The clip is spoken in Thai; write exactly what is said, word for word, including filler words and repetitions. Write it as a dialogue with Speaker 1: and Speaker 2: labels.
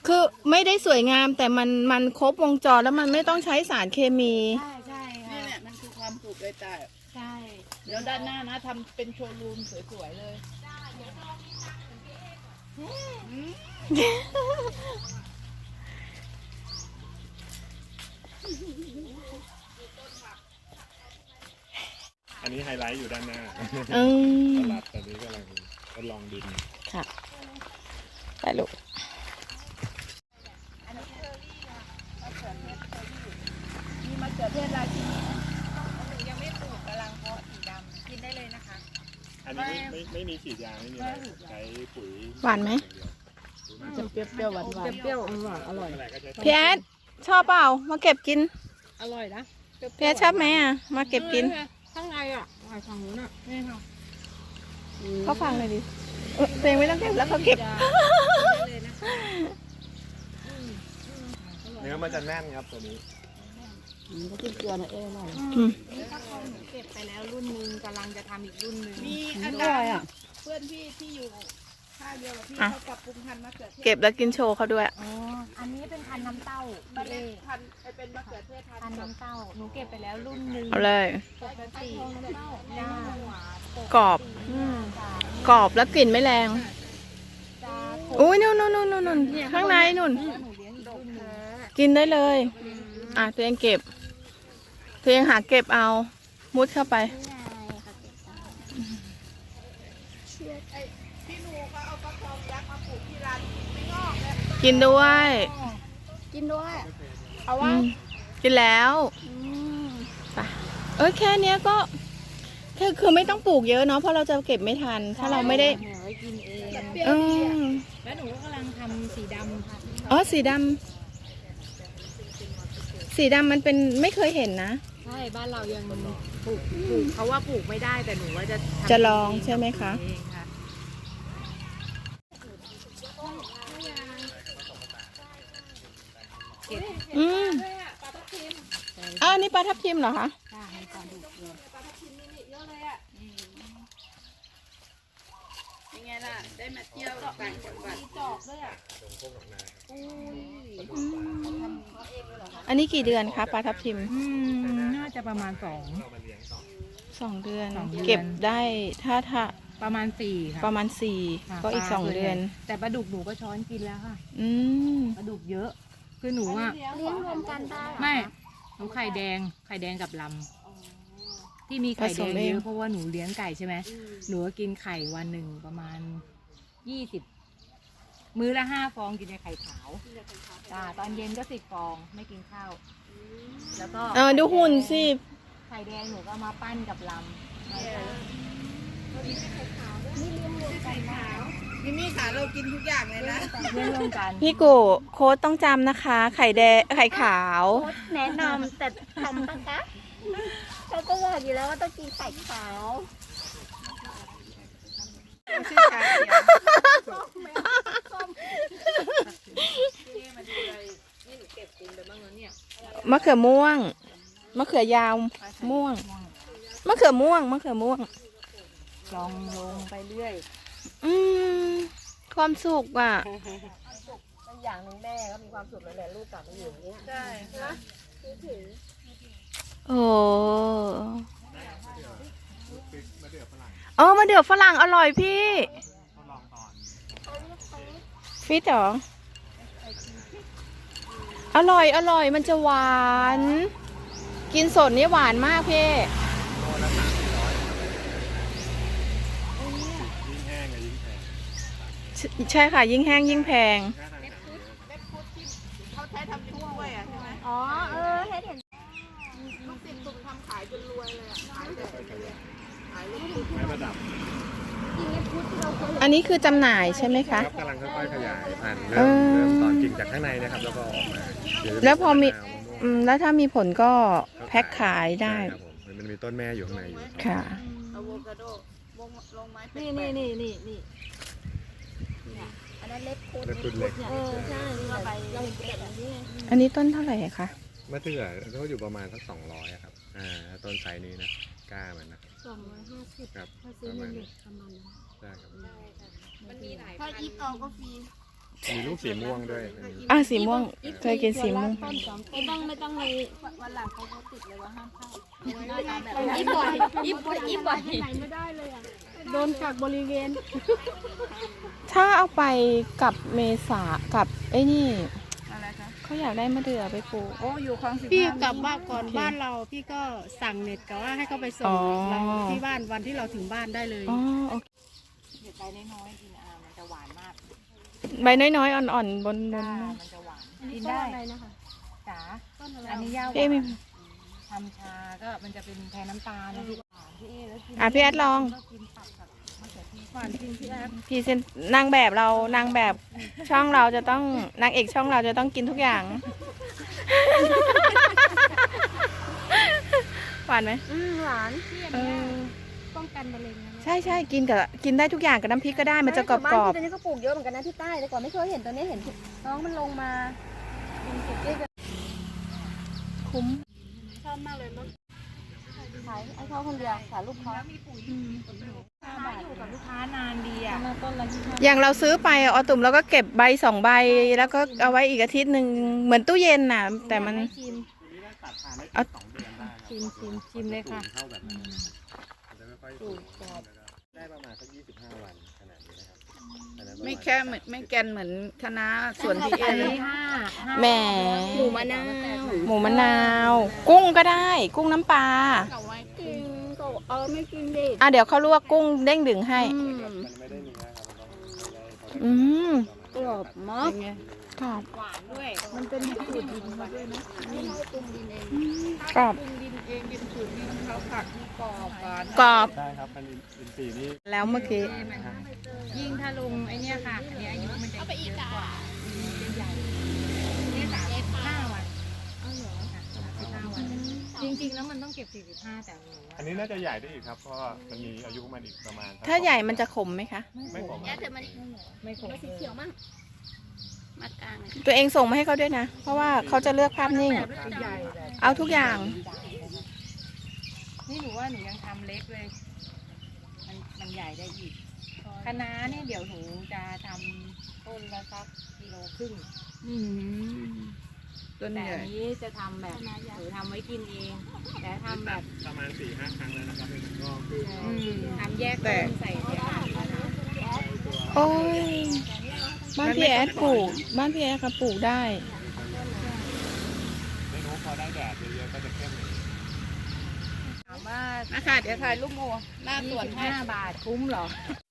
Speaker 1: คือไม่ได้สวยงามแต่มันมันครบวงจรแล้วมันไม่ต้องใช้สารเคมี
Speaker 2: ใช่ใช่ค่ะ
Speaker 3: นี่แหละมันคือความสุขเลยแต่
Speaker 2: ใช่
Speaker 3: เดี๋ยวด้านหน้านะทำเป็นโชว์รูมสวยๆเลย
Speaker 4: อันนี้ไฮไลท์อยู่ด้านหน้า
Speaker 1: อืม
Speaker 4: ตลาดตอนนี้กำลังทดลองดิน
Speaker 1: ค่ะไปลูก
Speaker 3: มีมะเขือเทศราชินี
Speaker 2: ยังไม่ปลูกกำลังเพาะสีดำกินได้เลยนะคะ
Speaker 4: อันนี้ไม่ไม่ไม่มีฉีดยาไม่มีอะไรใช้ปุ๋ย
Speaker 1: หวานไหม
Speaker 3: จะเปรี้ยวๆหวาน
Speaker 2: เปรี้ยวๆหวานอร่อย
Speaker 4: อะไรก็ใช้
Speaker 1: พี่แอดชอบเปล่ามาเก็บกิน
Speaker 2: อร่อยนะ
Speaker 1: พี่แอดชอบไหมอ่ะมาเก็บกิน
Speaker 2: ข้างในอ่ะหอยฝั่งนู้นอ่ะนี่ค่ะ
Speaker 1: เขาฟังเลยดิเออตัวเองไม่ต้องเก็บแล้วเขาเก็บ
Speaker 2: เลยนะคะ
Speaker 4: เนื้อมันจะแน่นครับตัวนี้
Speaker 3: ก็จิ้มเกลือหน่อยเอ้ยหน่อย
Speaker 1: อืม
Speaker 2: ถ้าเขาหนูเก็บไปแล้วรุ่นหนึงกำลังจะทำอีกรุ่นหนึง
Speaker 3: มีอาจารย์เพื่อนพี่ที่อยู่ท่าเดียวกับพี่เขาปรับปรุงพันธุ์มะเขือเทศ
Speaker 1: เก็บแล้วกินโชว์เขาด้วย
Speaker 2: อ๋ออันนี้เป็นพันธุ์น้ำเต้า
Speaker 3: บ้าน
Speaker 2: เอ
Speaker 3: เล็กพันธุ์เป็นมะเขือเทศพัน
Speaker 2: พัน
Speaker 3: ธุ์
Speaker 2: ธุ์น้ำเต้าหนูเก็บไปแล้วรุ่นหนึง
Speaker 1: เอาเลย
Speaker 2: ปกติจ้าก
Speaker 1: รอบ
Speaker 2: อืม
Speaker 1: กรอบแล้วกลิ่นไม่แรง
Speaker 2: จ้า
Speaker 1: อุ้ยนู่นนู่นนู่นนู่นข้างในนู่น
Speaker 2: หนูเลี้ยงอีกรุ่นหนึง
Speaker 1: กินได้เลย อ่ะตัวเองเก็บตัวเองหาเก็บเอา มุดเข้าไป
Speaker 3: พี่หนูเขาเอาฟักทองยักษ์มาปลูกที่ร้านไม่งอกเลย
Speaker 1: กินด้วย
Speaker 2: กินด้วย
Speaker 3: เอา
Speaker 1: อื
Speaker 3: ว่า
Speaker 1: มกินแล้วไปเออแค่เนี้ยก็แค่คือไม่ต้องปลูกเยอะเนาะเพราะเราจะเก็บไม่ทัน ถ้าเราไม่ได้
Speaker 2: หนูไว้กินเอง
Speaker 3: เปรี้ยว
Speaker 1: อื
Speaker 3: ดีอ่ะ
Speaker 1: ม
Speaker 2: แล้วหนูก็กำลังทำสีดำค่ะ
Speaker 1: อ๋อสีดำสีดำมันเป็นไม่เคยเห็นนะ
Speaker 2: ใช่บ้านเรายังปลูกปลูกเขาว่าปลูกไม่ได้แต่หนูว่าจะทำ
Speaker 1: จะลองใช่ไหมคะ
Speaker 2: เองค่ะ
Speaker 1: อืมอ๋ออันนี้ปลาทับทิมเหรอคะ
Speaker 2: จ้าให้ก่อนดูเลย
Speaker 3: ยังไงล่ะ ได้มาเที่ยวต่างจังหวัดจอกด้วยอ่ะ
Speaker 1: อันนี้กี่เดือนคะปลาทับทิม
Speaker 2: อืมน่าจะประมาณสอง
Speaker 1: สองเดือน
Speaker 2: สองเดือน
Speaker 1: เก็บได้ถ้าถ้า
Speaker 2: ประมาณสี่ค่ะ
Speaker 1: ประมาณสี่
Speaker 2: ค่ะ
Speaker 1: ก็อีก
Speaker 2: ปลา
Speaker 1: สองเดือน
Speaker 2: แต่ปลาดุกหนูก็ช้อนกินแล้วค่ะ
Speaker 1: อืม
Speaker 2: ปลาดุกเยอะ คือหนูอ่ะ
Speaker 3: เลี้ยงรวมกันได้
Speaker 2: ไม่หนูไข่แดงไข่แดงกับลำที่มีไข่แดงเยอะเพราะว่าหนูเลี้ยงไก่ใช่ไหมหนูก็กินไข่วันหนึ่งประมาณยี่สิบมื้อละห้าฟองกินแต่ไข่ขาวจ้าตอนเย็นก็สิบฟองไม่กินข้าวแล้วก็
Speaker 1: เออดูหุ่นสิ
Speaker 2: ไข่แดงหนูก็มาปั้นกับลำ
Speaker 3: นี่มีขาเรากินทุกอย่างเลยนะ
Speaker 2: เพื่อนร่วมกัน
Speaker 1: พี่กูโค้ดต้องจำนะคะ ไข่แดงไข่ขาว
Speaker 2: แนะนำแต่ทำปะคะเขาก็บอกอยู่แล้วว่าต้องกินไข่ขาว
Speaker 3: ชื่อชาเขียว
Speaker 1: มะเขือม่วง มะเขือยาวม่วง มะเขือม่วง มะเขือม่วง
Speaker 2: ลองลงไปเรื่อย
Speaker 1: อืม ความสุขอ่ะ
Speaker 2: อย่างหนึ่งแม่ก็มีความสุขแล้วแหละลูกกลับมาอยู่อย่างเงี้ย
Speaker 3: ใช่นะ
Speaker 1: โอ้เออมาเดือฝรั่งอร่อยพี่ ฟิตเหรอ อร่อย อร่อย มันจะหวาน กินสดนี่หวานมากพี่
Speaker 4: ยิ่งแห้งอะยิ่งแพง
Speaker 1: ใช่ใช่ค่ะ ยิ่งแห้งยิ่งแพง
Speaker 3: เขาใช้ทำถ้วยอ่ะใช่ไหม
Speaker 2: อ๋อเออเห็นเห็น
Speaker 3: ลูกศิษย์ตุ่มทำขายจนรวยเลยอ่ะ ขายแต่ขายลูกศิษย์
Speaker 4: ไม้ประดับ
Speaker 1: อันนี้คือจำหน่ายใช่ไหมคะ
Speaker 4: ครับกำลังค่อยๆขยายพันธุ์
Speaker 1: เอ
Speaker 4: เริ่ม
Speaker 1: อ
Speaker 4: เริ่มตอนกิ่งจากข้างในนะครับแล้วก็ออกมาเดี๋ยจะ
Speaker 1: แล้วพอมี
Speaker 4: ะนาวะม่วง
Speaker 1: อืมแล้วถ้ามีผลก็แพ็คขายได้
Speaker 4: ใช่ครับผมมันมีต้นแม่อยู่ข้างในอยู่
Speaker 1: ค่ะ
Speaker 3: อะโวคาโดลงลงไม้เป็
Speaker 2: นี่นี่นี่นี่นี่อันนั้นเล็กโคตร
Speaker 4: แล้วคุณเล็ก
Speaker 2: เออใช่นี่ไปเราเก็บแบบนี้
Speaker 1: อันนี้ต้นเท่าไหร่คะ
Speaker 4: มะเดื่อเขาอยู่ประมาณสักสองร้อยครับอ่าต้นไซส์นี้นะกล้ามันนะ
Speaker 2: สองร้อยห้าสิบ
Speaker 4: ครับ
Speaker 2: ถ้า
Speaker 4: ป
Speaker 2: ซื้อ
Speaker 4: ระ
Speaker 2: ใน
Speaker 4: มาณ
Speaker 2: เน็
Speaker 4: นี้
Speaker 2: ตประมาณนั้น
Speaker 4: ใช่ครับ
Speaker 2: มันมีหลาย
Speaker 3: ถ้าอีฟเอาก็ฟรี
Speaker 4: มีลูกสีม่วงด้วย
Speaker 1: อ่ะสีม่วงเคยกินสีม่วง
Speaker 3: ไม่ต้องไม่ต้องเลยวันหลังเขาเขาติดเลยว่าห้ามเข้าหน้าตาแบบนี้บ่อยยิบบ่อยยิบบ่อยไหนไม่ได้เลยอ่ะโดนกักบริเวณ
Speaker 1: ถ้าเอาไปกับเมษากับไอ้นี่
Speaker 3: อะไรคะ
Speaker 1: เขาอยากได้มะเดื่อไปปลูก
Speaker 3: โอ้อยู่คลองสิบ
Speaker 5: พี่กลับบ้านก่อนบ้านเราพี่ก็สั่งเน็ตกับว่าให้เขาไปส่
Speaker 1: อ๋
Speaker 5: ง
Speaker 1: อ
Speaker 5: เราที่บ้านวันที่เราถึงบ้านได้เลย
Speaker 1: อ๋อโอเค
Speaker 2: เด็ดใบน้อยๆกินอามันจะหวานมาก
Speaker 1: ใบน้อยๆอ่อนๆบนบน
Speaker 2: จ้ามันจะหวานกินได้
Speaker 5: อะไรนะคะ
Speaker 2: จ๋าอันนี้ย่าห
Speaker 1: พี่เอ
Speaker 2: วาน
Speaker 1: มี
Speaker 2: ทำชาก็มันจะเป็นแทนน้ำตาลนะพี่หวานพี่เอแล้วกิน
Speaker 1: อ่ะพี่แอดลอง
Speaker 2: ก็กินตับกับมะเขือเทศ
Speaker 5: หวานจริงพี่แอด
Speaker 1: พรีเซนนางแบบเรานางแบบช่องเราจะต้องนางเอกช่องเราจะต้องกินทุกอย่าง หวานไหม
Speaker 3: อืมหวาน
Speaker 1: เออ
Speaker 5: ป้องกันมะเร็งนะ
Speaker 1: ใช่ใช่กินกับกินได้ทุกอย่างกับน้ำพริกก็ได้มันจะกรอบกรอบ
Speaker 3: บ้านที่ตอนนี้ก็ปลูกเยอะเหมือนกันนะที่ใต้แต่ก่อนไม่เคยเห็นตอนนี้เห็นน้องมันลงมาเป็นเก็บได้
Speaker 1: คุ้ม
Speaker 5: ชอบมากเลยมั้ง
Speaker 3: ขายไอ้เขาคนเดียวขายลูกค้า
Speaker 2: แล้วมีปุ๋ยห้าบาทอยู่กับลูกค้านานดีอ่ะ
Speaker 3: ต้นละยี่สิบ
Speaker 1: อย่างเราซื้อไปอะออตุ่มเราก็เก็บใบสองใบแล้วก็เอาไว้อีกอาทิตย์หนึ่งเหมือนตู้เย็นน่ะ แต่มัน
Speaker 2: ชิม
Speaker 4: ตัดทานได้
Speaker 1: เอา
Speaker 4: สองเดือนได้
Speaker 2: ชิมชิมชิมเลยค่ะ
Speaker 4: เข้าแบบนั้นมันจะไม่ค่อยสูงได้ประมาณสักยี่สิบห้าวันขนาดนี้นะครับอันนั้นประาณ
Speaker 3: ไม่แค่เหมือนไม่แกนเหมือนคณะส่วนที่เอ
Speaker 2: อัน
Speaker 3: เล
Speaker 2: นี้
Speaker 3: ย
Speaker 2: ห้าห้า
Speaker 1: แหม
Speaker 3: หมูมะนาว
Speaker 1: หมูมะนาว กุ้งก็ได้ กุ้งน้ำปลา
Speaker 3: เอาไว้กินก็เออไม่กินดิ
Speaker 1: อ่ะเดี๋ยวเขาลวกกุ้งเด้งดึงให้
Speaker 3: อืม
Speaker 4: มันไม่ได้เนื้อครับมันต้องไม่ได้
Speaker 1: อืม
Speaker 3: กรอบมาก
Speaker 1: กรอบ
Speaker 2: หวานด้วย
Speaker 3: มันเป็นสูตรดินมาด้วยนะไม่ใช่ปรุงดินเอง
Speaker 1: กรอบ
Speaker 3: ปรุงดินเองเป็นสูตรดินเขาผักที่กรอบหวาน
Speaker 1: กรอบ
Speaker 4: ใช่ครับมันอินทรีย์นี่
Speaker 1: แล้วเมื่อกี้
Speaker 2: ยิ่งถ้าลงไอเนี้ยค่ะอันนี้อายุมันจะเยอะกว่ามันจะใหญ่เนี่ยสามสิบห้าวันเอาเหรอสามสิบห้าวัน จริงๆแล้วมันต้องเก็บสี่สิบห้าแต่หนู
Speaker 4: อันนี้น่าจะใหญ่ได้อีกครับ เพราะว่ามันมีอายุของมันอีกประมาณสัก
Speaker 1: ถ้าใหญ่มันจะขมไหมคะ
Speaker 4: ไม่ผม
Speaker 3: แย่แต่มัน
Speaker 2: ไม่ครบ
Speaker 3: สีเขียวมากมากลางเลย
Speaker 1: ตัวเองส่งมาให้เขาด้วยนะ เพราะว่าเขาจะเลือกภาพนิ่ง
Speaker 2: ใหญ่แบบ
Speaker 1: เอาทุกอย่าง
Speaker 2: นี่หนูว่าหนูยังทำเล็กเลย มันมันใหญ่ได้อีกคะน้าเนี่ยเดี๋ยวหนูจะทำต้นละสักกิโลครึ่ง
Speaker 3: ต้น
Speaker 2: แต่
Speaker 3: ใหญ่
Speaker 2: อันนี้จะทำแบบหนูทำไว้กินเอง แต่ทำแบบ
Speaker 4: ประมาณสี่ห้าครั้งแล้วนะครับมันก็
Speaker 2: ทำแยกต้นใส่ในอ่าง
Speaker 1: โอ้ย บ้านพี่แอดปลูก บ้านพี่แอดก็ปลูกได้
Speaker 4: ไม่รู้พอได้แดดเยอะๆก็จะเข้มอย่างนี้
Speaker 2: ถามว่า
Speaker 3: นะคะเดี๋ยวถ่ายรูปโมหน้าส
Speaker 2: ยี่
Speaker 3: วน
Speaker 2: สิบ
Speaker 3: ให้
Speaker 2: ห้าบาทคุ้มเหรอ